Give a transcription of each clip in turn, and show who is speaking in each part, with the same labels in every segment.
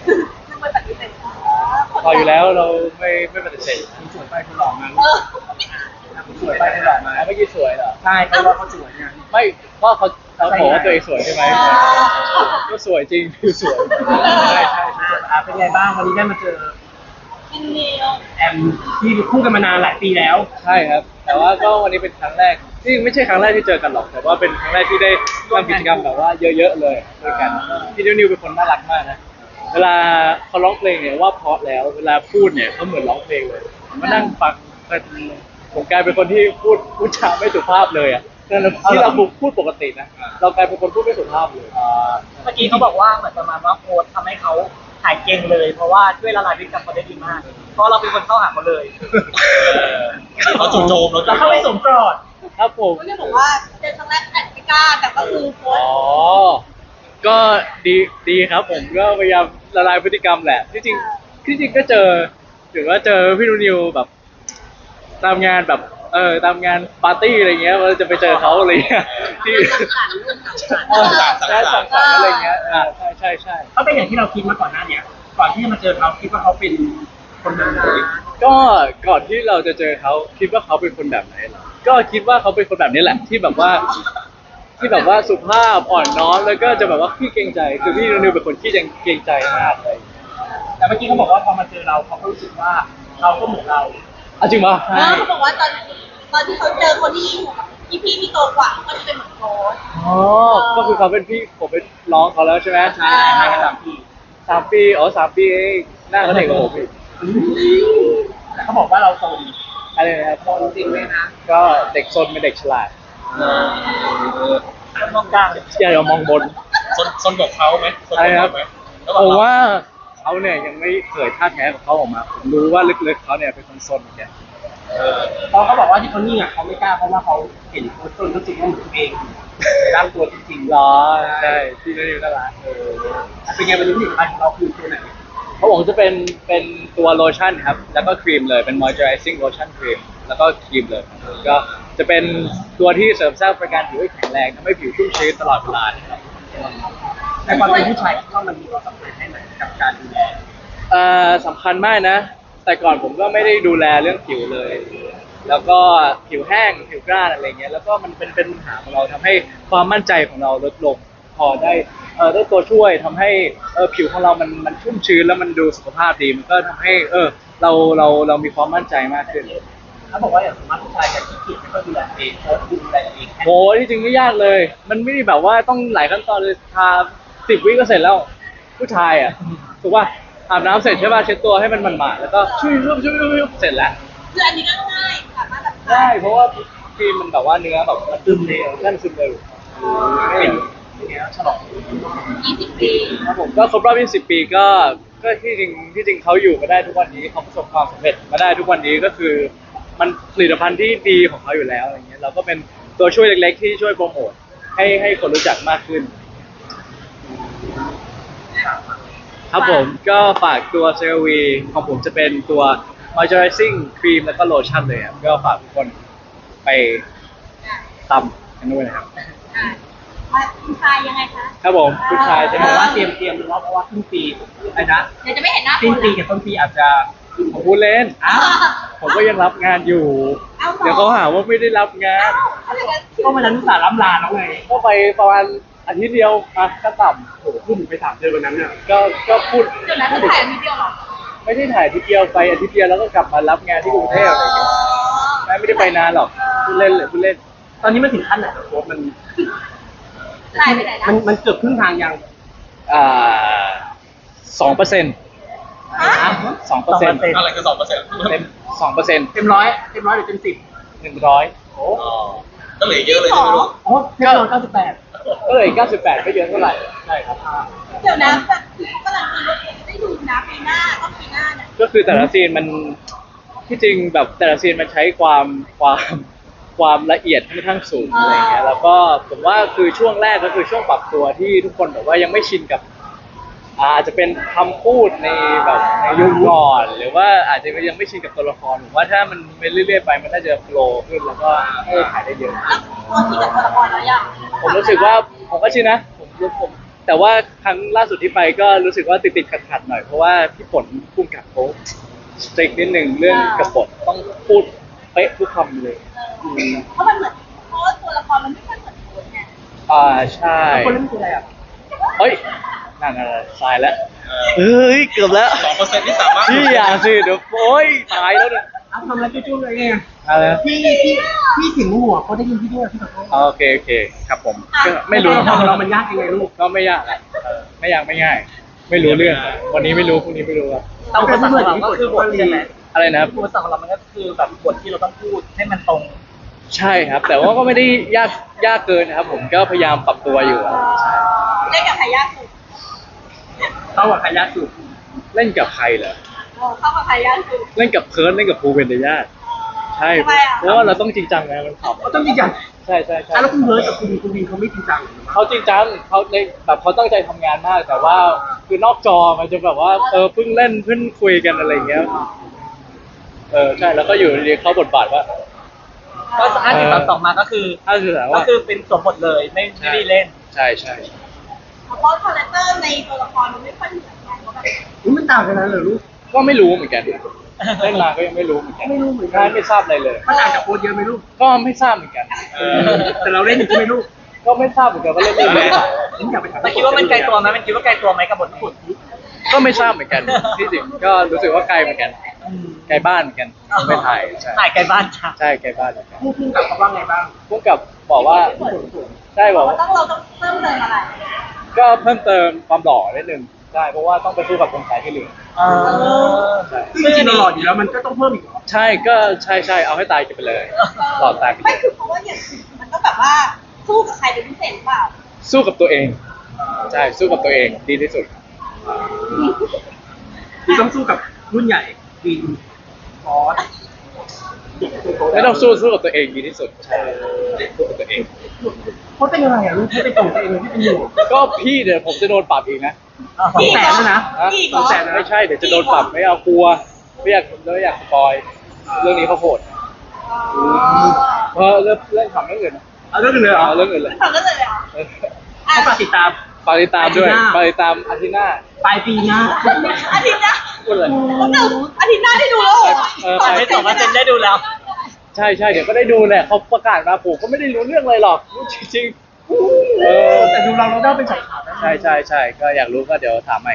Speaker 1: ซึ่งมันปฏิเสธ
Speaker 2: พออยู่แล้วเราไม่ปฏิเสธ
Speaker 3: คุณสวยไปคุณหล่อมา
Speaker 1: เออ
Speaker 3: คุณสวยไปคุณหล่อมา
Speaker 2: เมื่อกี้สวยเหรอ
Speaker 3: ใช่เขาว่าเขาสวยไง
Speaker 2: ไม่ก็เขาบอกว่าตัวเองสวยใช่ไหมก็สวยจริงคือสวยใช่ใช่
Speaker 3: เป็นไงบ้างวันนี้ได้มาเจอ
Speaker 1: กินเนียว
Speaker 3: แอมที่คู่กันมานานหลายปีแล้ว
Speaker 2: ใช่ครับ แต่ว่าก็วันนี้เป็นครั้งแรกที่ไม่ใช่ครั้งแรกที่เจอกันหรอกแต่ว่าเป็นครั้งแรกที่ได้ทำกิจกรรมแบบว่าเยอะๆเลยด้วยกันพี่นิวเป็นคนน่ารักมากนะเวลาเขาร้องเพลงเนี่ยว่าเพราะแล้วเวลาพูดเนี่ยเขาเหมือนร้องเพลงเลยผมมานั่งฟังผมกลายเป็นคนที่พูดจาไม่สุภาพเลยอ่ะที่เราพูดปกตินะเรากลายเป็นคนพูดไม่สุภาพเลย
Speaker 4: เมื่อกี้เขาบอกว่าเหมือนประมาณว่าโค้ชทำให้เขาหายเก่งเลย เพราะว่าช่วยละลายพฤติกรรมเขาได้ดีมาก เพราะเราเป็นคนเข้าหาเขาเลย
Speaker 5: เขาจู่โจม
Speaker 4: แล้วเข้าไปสวมกอด
Speaker 2: ครับผม
Speaker 1: เขาจะบอกว่าเจอครั้งแรกแอดไม่กล้าแต่ก็คือโพส
Speaker 2: อ๋อ ก็ดีครับผมก็พยายามละลายพฤติกรรมแหละที่จริงก็เจอถือว่าเจอพี่นูนิวแบบตามงานแบบตามงานปาร์ตี้อะไรเงี้ยเราจะไปเจอเขาอะไรเงี้ยที่สังสรรค์อะไรเงี้ยใช่
Speaker 3: เขาเป็นอย่างที่เราคิดมาก่อนหน้าเนี้ยก่อนที่จะมาเจอเขาคิดว่าเขาเป็นคนแบบไหน
Speaker 2: ก็ก่อนที่เราจะเจอเขาคิดว่าเขาเป็นคนแบบไหนเหรอก็คิดว่าเขาเป็นคนแบบนี้แหละที่แบบว่าสุภาพอ่อนน้อมแล้วก็จะแบบว่าขี้เกรงใจคือพี่นูนิวเป็นคนขี้เกรงใจมากเลย
Speaker 3: แต่เมื่อกี้เขาบอกว่าพอมาเจอเราเขาก็รู้สึกว่าเราก็เหมือนเรา
Speaker 2: จริงปะ
Speaker 1: เขาบอกว่าตอนที่เขาเจอคนที่อยู่กับพี่ที่โตกว่าก็จะเป็นเหมือนโค้ช
Speaker 2: อ๋อก็คือเขาเป็นพี่ผมเป็นน้องเขาแล้วใช่ไหม
Speaker 3: ใช่ให้กัน3 ปี
Speaker 2: 3 ปีอ๋อ3 ปีเองหน้าเขาเด็กกว่าผมอีก
Speaker 3: แต่เขาบอกว่าเราโตดี
Speaker 2: อะไรนะครับ
Speaker 3: โตจริงเลยนะ
Speaker 2: ก็เด็กซนเป็นเด็กฉลาด
Speaker 4: มองกลาง
Speaker 2: อย่าามองบน
Speaker 5: ซนกับเขาไหมซน
Speaker 2: อะไร
Speaker 5: กับ
Speaker 2: ครั
Speaker 5: เขา
Speaker 2: บ
Speaker 5: ไหม
Speaker 2: ผมว่าเขาเนี่ยยังไม่เผยท่าแท้ของเขาออกมาผมรู้ว่าลึกๆเขาเนี่ยเป็นคนซนเหมือนกัน
Speaker 3: พอเขาบอกว่าที่เขานิ่งอ่ะเขาไม่กล้าเพราะว่าเขาเห็นโค้ชต้นรู้สึกว่าเหมือนตัวเองในร่างตัวจริงๆ
Speaker 2: เหรอใช่พี่นิวน่ารัก
Speaker 3: เป็นไงวันนี้ผลิตภัณฑ์ของเราคือตัวไหน
Speaker 2: เขาบอกจะเป็นตัวโลชั่นครับแล้วก็ครีมเลยเป็น moisturizing lotion ครีมแล้วก็ครีมเลยก็จะเป็นตัวที่เสริมสร้างประการผิวให้แข็งแรงทำให้ผิวชุ่มชื้นตลอดเวลานะครับ
Speaker 3: แต่ความเป็นผู้ชายคิดว่ามันมีความสำคัญแค่ไหนกับการดูแล
Speaker 2: สำคัญมากนะ แต่ก่อนผมก็ไม่ได้ดูแลเรื่องผิวเลย แล้วก็ผิวแห้งผิวกร้านอะไรเงี้ยแล้วก็มันเป็นปัญหาของเราทำให้ความมั่นใจของเราลดลงพอได้ตัวช่วยทำให้ผิวของเรามันชุ่มชื้นแล้วมันดูสุขภาพดีมันก็ทำให้เรามีความมั่นใจมากขึ้น
Speaker 3: เขาบอกว่าอย่างสมมติผู้ชายจะขี้เกียจไม่ค่อยดูแลตัวเองโค้ชดูแลตัวเองแค่
Speaker 2: โหที่จริงไม่ยากเลย มันไม่ได้แบบว่าต้องหลายขั้นตอนเลยทา10 วิก็เสร็จแล้วผู้ชายอ่ะถูกป่ะอาบน้ำเสร็จใช่ป่ะเช็ดตัวให้มันหมาดๆแล้วก็ชุ่ยเสร็จแล้ว
Speaker 1: คืออันนี้ก็ง่ายสามารถแบบ
Speaker 2: ใช่เพราะว่าครีมมันแบบว่าเนื้อแบบมันซึมเร็วนั่นซึมเร็ว
Speaker 3: เป็นไงฉลอง
Speaker 1: 20 ปี
Speaker 2: ครับผมก็ครบรอบ20 ปีก็ที่จริงเขาอยู่มาได้ทุกวันนี้เขาประสบความสำเร็จมาได้ทุกวันนี้ก็คือมันผลิตภัณฑ์ที่ดีของเขาอยู่แล้วอะไรเงี้ยเราก็เป็นตัวช่วยเล็กๆที่ช่วยโปรโมทให้คนรู้จักมากขึ้น ครับผมก็ฝากตัวเซรวีของผมจะเป็นตัว moisturizing ครีมแล้วก็โลชั่นเลยครับก็ฝากทุกคนไปตำกันด้วยนะครับ
Speaker 1: มาคุณชายยังไงคะ
Speaker 2: ครับผมผู้ชาย
Speaker 3: จะ
Speaker 2: จะ
Speaker 3: บบ อ
Speaker 2: อก ก
Speaker 3: ว่า
Speaker 2: ว่า
Speaker 3: เตรียมดูว่าเพราะว่าสิ้นปีไอ้นะ
Speaker 1: เดี๋ยวจะไม่เห็นหน้า
Speaker 3: สิ้นปีกับต้นปีอาจจะ
Speaker 2: ผมพูดเล่น
Speaker 3: อ้าว
Speaker 2: ผมก็ยังรับงานอยู่ เดี๋ยวเขาหาว่าไม่ได้รับงาน
Speaker 3: ก็มันนั้นอุตส่าห์ล้ำลาแล้วไง
Speaker 2: ก็ไปประมาณอาทิตย์เดียวอะก็ต่
Speaker 3: โอ้โหพูดถึงไป3 เดือนวันนั้นเนี่ย
Speaker 2: ำก็พูด
Speaker 1: เดี๋ยวนะคือถ่ายนิดเดียวเหรอ
Speaker 2: ไม่ได้ถ่ายอาทิตย์เดียวไปอาทิตย์เดียวแล้วก็กลับมารับงานที่กรุงเทพอะไรอย่างเงี้ยไม่ได้ไปนานหรอกพูดเล่นเลยพูดเล่น
Speaker 3: ตอนนี้มันถึงขั้นไหนแล้วโค้ชมัน
Speaker 1: ถ่ายไปไหนนะ
Speaker 3: มันเกือบครึ่งทางยัง
Speaker 2: 2%2%
Speaker 5: อะไรคือ2%
Speaker 2: เต็ม2%
Speaker 3: เต็มร้อยหรือเต็ม10
Speaker 2: 100
Speaker 3: โอ้
Speaker 5: ก็เหลือเยอะเลยใช่ไหมลูก
Speaker 3: โหเต็มร้อย98
Speaker 2: ก็เลย98ไม่เยอะเท่าไหร่ใช่ครับ
Speaker 1: เดี๋ยวนะแบบคือเขากำลังคิดว่าได้ดูนะปีหน้าต้องปีหน้าเนี่ย
Speaker 2: ก็คือแต่ละซีนมันที่จริงแบบแต่ละซีนมันใช้ความละเอียดค่อนข้างสูงอะไรเงี้ยแล้วก็ผมว่าคือช่วงแรกก็คือช่วงปรับตัวที่ทุกคนแบบว่ายังไม่ชินกับอาจจะเป็นคำพูดในแบบในยุคก่อนหรือว่าอาจจะยังไม่ชินกับตัวละครผมว่าถ้ามันไปเรื่อยๆไปมันน่าจะโฟลว์ขึ้นแล้วก็ให้ขายได้เยอะ
Speaker 1: แล้วตัวที่กับตัวละครแล้วยัง
Speaker 2: ผมรู้สึกว่าผมก็ชินนะผมแต่ว่าครั้งล่าสุดที่ไปก็รู้สึกว่าติดขัดหน่อยเพราะว่าพี่ฝนพุ่งกับเขาสตริกนิดนึงเรื่องกับบทต้องพูดเป๊ะทุกคำเลย
Speaker 1: เพราะมันเหมือนเพราะว่าตัวละครมันไม่ค่อยเหมือนคนไง
Speaker 2: ใช่
Speaker 3: คนเล่นคืออะไรอ่ะ
Speaker 2: เฮ้ยนั่นอะไรตายแล้วเฮ้ยเกือบแล้ว
Speaker 5: 2%ที่สามารถ
Speaker 2: พี่อย่าสิเดี๋ยวโอ๊ยตายแล้วเนี่ย
Speaker 3: อ้าวทำอะไรจุ้ๆเลยไง
Speaker 2: อะไรนะ
Speaker 3: พี่ถึงหัวเขาได้ยินพี่ด้วยพี่ขอโทษ
Speaker 2: โอเคครับผมก็ไม่รู้
Speaker 3: ของเรามันยากยังไงลูก
Speaker 2: ก็ไม่ยากอะไม่ยากไม่ง่าย ไม่รู้เรื่องวันนี้ไม่รู้พรุ่งนี้ไม่รู้ครับ
Speaker 4: แต่อุปสรรคของเราก็คือบทใช่ไหม
Speaker 2: อะไรนะครับ
Speaker 4: อุปสรรคของเรามันก็คือแบบบทที่เราต้องพูดให้มันตรง
Speaker 2: ใช่ครับ แต่ว่าก็ไม่ได้ยากเกินนะครับ ผมก็พยายามปรับตัวอยู่อะใช่
Speaker 1: เล่นกับใครยากสุด
Speaker 3: เข้ากับใครยากสุด
Speaker 2: เล่นกับใครเหรอ
Speaker 1: เข้ากับใครยากสุด
Speaker 2: เล่นกับเพิร์ดเล่นกับภูเวนเดญาติใช่
Speaker 1: ทำไมอ่ะ
Speaker 2: เพราะว่าเราต้องจริงจังนะมันข
Speaker 3: เขาต้องจริงจัง
Speaker 2: ำใช่
Speaker 3: แล้วคุณเบิร์ดกับคุณวินเขาไม่จริงจัง
Speaker 2: เขาจริงจังเขาในแบบเขาตั้งใจทำงานมาก แต่ว่าคือนอกจอมันจะแบบว่าเพิ่งเล่นเพิ่งคุยกันอะไรอย่างเงี้ยใช่แล้วก็อยู่ดีๆเขาบทบาทว่า
Speaker 4: ก็50 32มาก็คือ
Speaker 2: ถ้าคือแบบ
Speaker 4: ก็
Speaker 2: ว่า
Speaker 4: คือเป็นสวมบทเลยไม่ได้เล่น
Speaker 2: ใช่
Speaker 1: เพราะคาแรคเตอร์ในตัวละครมันไม่ค่อยเหมือนกันเพราะแบบ
Speaker 3: นี่มันต่างกันนะเหรอลูก
Speaker 2: ก็ไม่รู้เหมือนกันเล่นมาก็ยังไม่รู้เหมือนกัน
Speaker 3: ไม่รู้เหมือนกัน
Speaker 2: ใช่ไม่ทราบอะไรเลย
Speaker 3: มันต่างจากโค้ดเยอะไหมลูก
Speaker 2: ก็ไม่ทราบเหมือนกัน
Speaker 3: แต่เราเล่นอยู่ใช่ไหมลูก
Speaker 2: ก็ไม่ทราบเหมือนกันว่าเล่นเรื่องอะไร
Speaker 3: นี่อยากไปถาม
Speaker 4: แต่คิดว่ามันไกลตัวไหมมันคิดว่าไกลตัวไหมกับบทที่คุณ
Speaker 2: ก็ไม่ทราบเหมือนกันที่จริงก็รู้สึกว่าไกลเหมือนกันไกลบ้านเหมือนกันไม่ถ่ายใช่
Speaker 4: ถ่ายไกลบ้านจ้ะ
Speaker 2: ใช่ไกลบ้านเหมือนกัน
Speaker 3: พูดกับเขาว่าไงบ้าง
Speaker 2: พวกกับบอกว่าใช่บอกว่า
Speaker 1: เราต้องเพิ่มเติมอะไร
Speaker 2: ก็เพิ่มเติมความหล่อนิดนึงใช่เพราะว่าต้องไปสู้กับคนขายที่เหลือ ใช่
Speaker 3: ซึ่งจริงๆเราหล่ออยู่แล้วมันก็ต้องเพิ่มอีกเหรอ
Speaker 2: ใช่ก็ใช่เอาให้ตายกันไปเลยหล่อตายไปเล
Speaker 1: ไม่
Speaker 2: ย
Speaker 1: คือเพราะว่าอย่างมันก็แบบว่าสู้กับใครเป็นพิเศษหรือเปล่า
Speaker 2: สู้กับตัวเองใช่สู้กับตัวเองดีที่สุด
Speaker 3: ที่ต้องสู้กับรุ่นใหญ่วินฟอส
Speaker 2: ไม่ต้องสู้กับตัวเองดีที่สุดใช่สู้กับตัวเอง
Speaker 3: เขาเป็นอะไรอ่ะลูกเขาเป็นตัวเองที่เป็นอยู่
Speaker 2: ก็พี่เดี๋ยวผมจะโดนปรับอีกนะ
Speaker 1: อีกเหรอ
Speaker 3: 200,000นะ
Speaker 2: ฮะ
Speaker 1: อีกเหรอ
Speaker 2: 200,000ไม่ใช่เดี๋ยวจะโดนปรับไม่เอากลัวไม่อยากสปอยเรื่องนี้เขาโหดเรื่องขำเรื่องอื่น
Speaker 3: เอาเรื่องอื่นเลยเหรอ
Speaker 2: เอาเรื่องอื่นเลย
Speaker 1: ไม่ทำได้เลยเหรอ
Speaker 3: เขาฝากติดตาม
Speaker 2: ฝากติดตามด้วย
Speaker 3: อาทิตย์หน้า
Speaker 2: ฝากติดตามอาทิตย์หน้า
Speaker 3: ปลายปีหน้า
Speaker 1: อาทิตย์หน้า
Speaker 2: พูดเลย
Speaker 1: ผมหนึ่งอาทิตย์หน้าได้ดูแล้วเหรอ
Speaker 4: ตอนนี้2%ได้ดูแล้ว
Speaker 2: ใช่เดี๋ยวก็ได้ดูแหละเขาประกาศมาผมก็ไม่ได้รู้เรื่องอะไรหรอกรู้จริงๆ
Speaker 3: แต่ดูเราได้เป็นสายข่าวนะ
Speaker 2: ใช่ก็อยากรู้ก็เดี๋ยวถามใหม่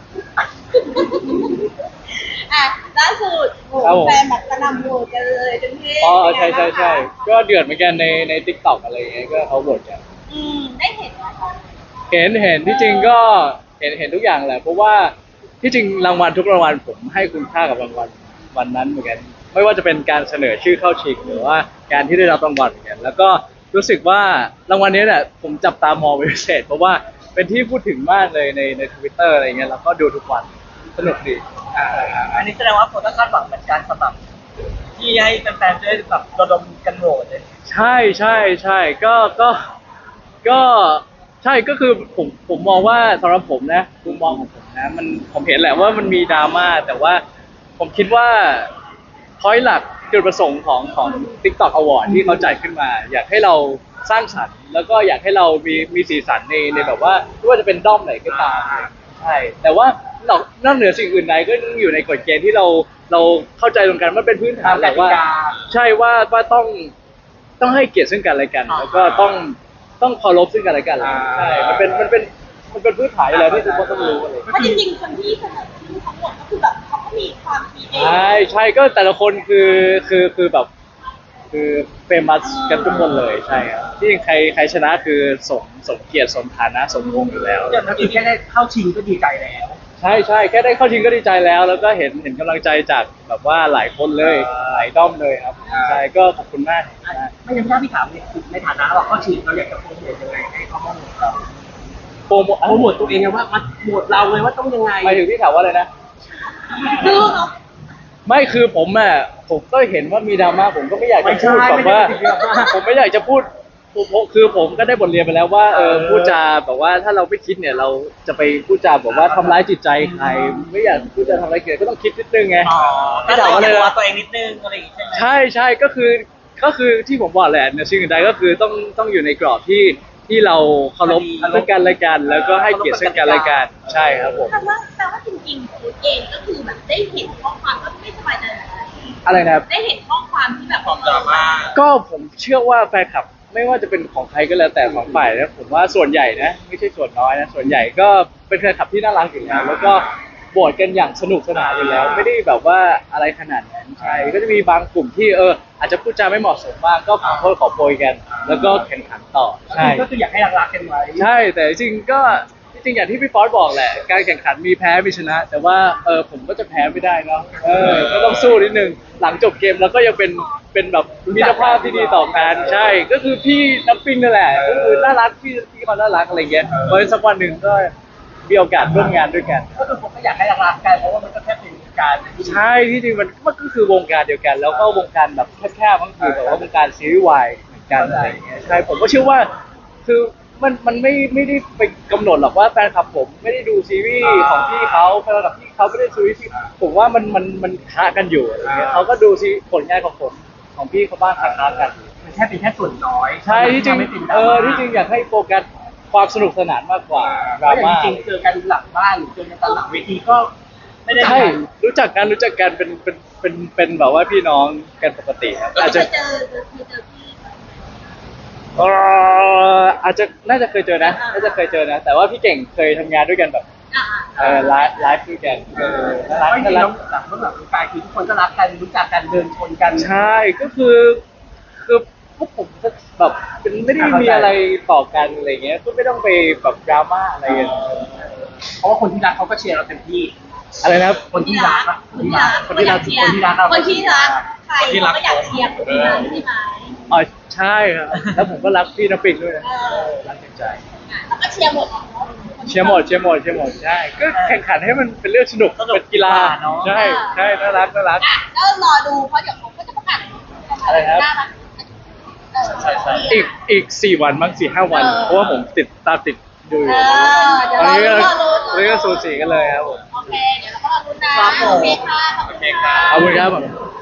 Speaker 1: อ่ะล่าสุด
Speaker 2: ครับผม
Speaker 1: แฟนแบบกระหน่ำโหวตกันเลยจนที่
Speaker 2: อ๋อใช่ก็เดือดเหมือนกันในทิกตอกอะไรอย่างเงี้ยก็เขาบ่นกัน
Speaker 1: ได้เห็นไหมคะ
Speaker 2: เห็นที่จริงก็เห็นทุกอย่างแหละเพราะว่าที่จริงรางวัลทุกรางวัลผมให้คุณค่ากับรางวัลวันนั้นเหมือนกันไม่ว่าจะเป็นการเสนอชื่อเข้าชิงหรือว่าการที่ได้รับรางวัลเหมือนกันแล้วก็รู้สึกว่ารางวัลนี้เนี่ยผมจับตามองเป็นพิเศษเพราะว่าเป็นที่พูดถึงมากเลยใน Twitter อะไรเงี้ยแล้วก็ดูทุกวันสนุกดี
Speaker 4: อันนี้แสดงว่าโฟก็คาดหวังเหมือนกันสำหรับที่ให้แฟนๆจะได้แบบระดมกันโหวตเลย
Speaker 2: ใช่ก็ใช่ก็คือผมมองว่าสำหรับผมนะมุมมองของผมนะผมเห็นแหละว่ามันมีดราม่าแต่ว่าผมคิดว่าพอยต์หลักจุดประสงค์ของ TikTok Award ที่เขาจัดขึ้นมา อยากให้เราสร้างสรรค์แล้วก็อยากให้เรามีสีสันในแบบว่าไม่ว่าจะเป็นด้อมไหนก็ตามใช่แต่ว่านอกเหนือสิ่งอื่นใดก็ยังอยู่ในกฎเกณฑ์ที่เราเข้าใจตรงกันมันเป็นพื้นฐานแหละว่า ใช่ว่าต้องให้เกียรติซึ่งกันและกัน แล้วก็ต้องเคารพซึ่งกันและกันใช่มันเป็นพื้นฐานอยู่แล้วที่ทุกคนต้องรู้อะไร
Speaker 1: เพราะจริงๆคนที่เสนอชื่อทั้งหมดก็คือแบบเขาก็มีความคิดเอง
Speaker 2: ใช่ก็แต่ละคนคือแบบคือเฟมัสกันทุกคนเลยใช่ครับที่จริงใครชนะคือสมเกียรติสมฐานะสมวงอยู่แล้ว
Speaker 3: อย่างนั้นคือแค่ได้เข้าชิงก็ดีใจแล้ว
Speaker 2: ใช่แค่ได้เข้าชิงก็ดีใจแล้ว แล้วก็เห็นกำลังใจจากแบบว่าหลายคนเลยหลายด้อมเลยครับใช่ก็ขอบคุณมาก
Speaker 3: ไม่ยังไม่ได้พี่ถามในฐานะเราเข้าชิงเราอยากจะโปรโมทยังไงให้เขามาโหวตเรา
Speaker 2: โปรโมท
Speaker 3: โปรโมทตัวเองไงว่ามาโหวตเราเลยว่าต้องยังไง
Speaker 2: หมายถึงที่ถามว่าอะไรนะ
Speaker 1: ดื้อเนาะ
Speaker 2: ไม่คือผมก็เห็นว่ามีดราม่าผมก็ไม่อยากจะพูดแบบว่าผมไม่อยากจะพูดคือผมก็ได้บทเรียนไปแล้วว่าพูดจาแบบว่าถ้าเราไม่คิดเนี่ยเราจะไปพูดจาแบบว่าทำร้ายจิตใจใครไม่อยากพูดจาทำร้ายเกิดก็ต้องคิดนิดนึงไง
Speaker 4: ก็
Speaker 2: ที่
Speaker 4: เรา
Speaker 2: ถามว่า
Speaker 4: จะ
Speaker 2: อะไร
Speaker 4: ดู
Speaker 2: นะ
Speaker 4: ตัวเองนิดนึงอะไรอย่างงี้ใช่ไหม
Speaker 2: ใช่ก็คือที่ผมบอกแหละในสิ่งอื่นใดก็คือต้องอยู่ในกรอบที่ที่เราเคารพซึ่งกันและกัน แล้วก็ให้เกียรติซึ่งกันและกันใช่ครับผม
Speaker 1: แต่ว่าจริงๆคุณเองก็คือแบบได้เห็นข้อความก็ไม่สบายใจเหมือนกัน
Speaker 2: อะไรนะครับ
Speaker 1: ได้เห็นข้อความที่แบบ
Speaker 5: ความดราม่า
Speaker 2: ก็ผมเชื่อว่าแฟนคลับไม่ว่าจะเป็นของใครก็แล้วแต่ของฝ่ายนะผมว่าส่วนใหญ่นะไม่ใช่ส่วนน้อยนะส่วนใหญ่ก็เป็นแฟนคลับที่น่ารักอยู่แล้วแล้วก็โหวตกันอย่างสนุกสนานอยู่แล้ว ไม่ได้แบบว่าอะไรขนาดนั้นใช่ก็จะมีบางกลุ่มที่อาจจะพูดจาไม่เหมาะสมบ้างก็ขอโทษขอโพยกัน แล้วก็แข่งขันต่อใช่
Speaker 3: ก็คืออยากให้รักๆกันไว้
Speaker 2: ใช่แต่จริงๆก็จริงๆอย่างที่พี่ฟอสบอกแหละการแข่งขันมีแพ้มีชนะ แต่ว่าผมก็จะแพ้ไม่ได้เนาะก็ต้องสู้นิดนึงหลังจบเกมแล้วก็ยังเป็นแบบมิตรภาพที่ดีต่อกันใช่ ก็คือพี่น้ำปิงนั่นแหละก็คือน่ารักพี่เขาน่ารักอะไรเงี้ยเพราะฉะนั้นสักวันหนึ่งก็มีโอกาสร่วมงานด้วยกัน
Speaker 3: ก็คือผมก็อยากให้รักๆกันเพราะว่ามันก็แค่เป็นการ
Speaker 2: ใช่ที่จริงมันก็คือวงการเดียวกัน แล้วก็วงการแบบแคบๆก็คือแบบว่าวงการซีรีส์วายเหมือนกันอะไรอย่างเงี้ยใช่ผมก็เชื่อว่าคือมันไม่ได้ไปกำหนดหรอกว่าแฟนคลับผมไม่ได้ดูซีรีส์ของพี่เขาแฟนคลับพี่เขาไม่ได้ดูซีรีส์ผมว่ามันค้ากันอยู่อะไรเงี้ยเขาก็ดูซีผลงานของผมของพี่เขาบ้างค้ากัน
Speaker 3: มันแค่เป็นแค่ส่วนน้อย
Speaker 2: ใช่ที่จริง
Speaker 3: ไม่เป็นดราม่า
Speaker 2: ที่จริงอยากให้โฟกัสความสนุกสนานมากกว่าดราม่า
Speaker 3: จริงๆเจอกันหลังบ้านหรือเจอกันตอนหลังเวทีก็ไม่ได้
Speaker 2: ใช่รู้จักกันเป็นแบบว่าพี่น้องกันปกติครับอาจจะ
Speaker 1: เคยเจอพี่
Speaker 2: อาจจะน่าจะเคยเจอนะน่าจะเคยเจอนะ แต่ว่าพี่เก่งเคยทำงานด้วยกันแบบ ไลฟ์ด้วยกันน่ารัก
Speaker 3: ไม่จริ
Speaker 2: น่าง รัก
Speaker 3: หลังหลังกายคือทุกคนก็รักกันรู้จักกันเดินชนกัน
Speaker 2: ใช่ก็คือพวกผมก็แบบเป็นไม่ได้มีอะไรต่อกันอะไรเงี้ยก็ไม่ต้องไปแบบดราม่าอะไรกัน
Speaker 3: เพราะว่าคนที่รักเขาก็เชียร์เราเต็มที่
Speaker 2: อะไรนะครับ
Speaker 3: คนที่รักอะ
Speaker 1: คนที่รัก
Speaker 3: คนที่รัก
Speaker 1: เชียร์
Speaker 3: คนที่รัก
Speaker 1: คนที่รักใครเราก็อยากเชียร์คนที่รักใช่ไหม
Speaker 2: อ๋อใช่ครับแล้วผมก็รักพี่น้ำปิงด้วยนะรักจริงใจ
Speaker 1: แล้วก็เชียร์หมด
Speaker 2: เชียร์หมดใช่ก็แข่งขันให้มันเป็นเรื่องสนุกเป็นกีฬาใช่น่ารัก
Speaker 1: แล้วรอดูเพราะเดี๋ยวผมก็จะประกาศ
Speaker 2: อะไรครับ
Speaker 5: ใช่
Speaker 2: อีก4 วันมั้ง4-5 วัน เพราะว่าผมตามติดดูอยู่
Speaker 1: เดี๋ยว
Speaker 2: ตอนนี้ก็
Speaker 1: รอดู
Speaker 2: ตอนนี้ก็สูสีกันเลยครับผม
Speaker 1: โอเคเดี๋ยวเราก็รอดูนะโอเคค่ะ
Speaker 5: โอเคครับ
Speaker 2: ขอบคุณครับ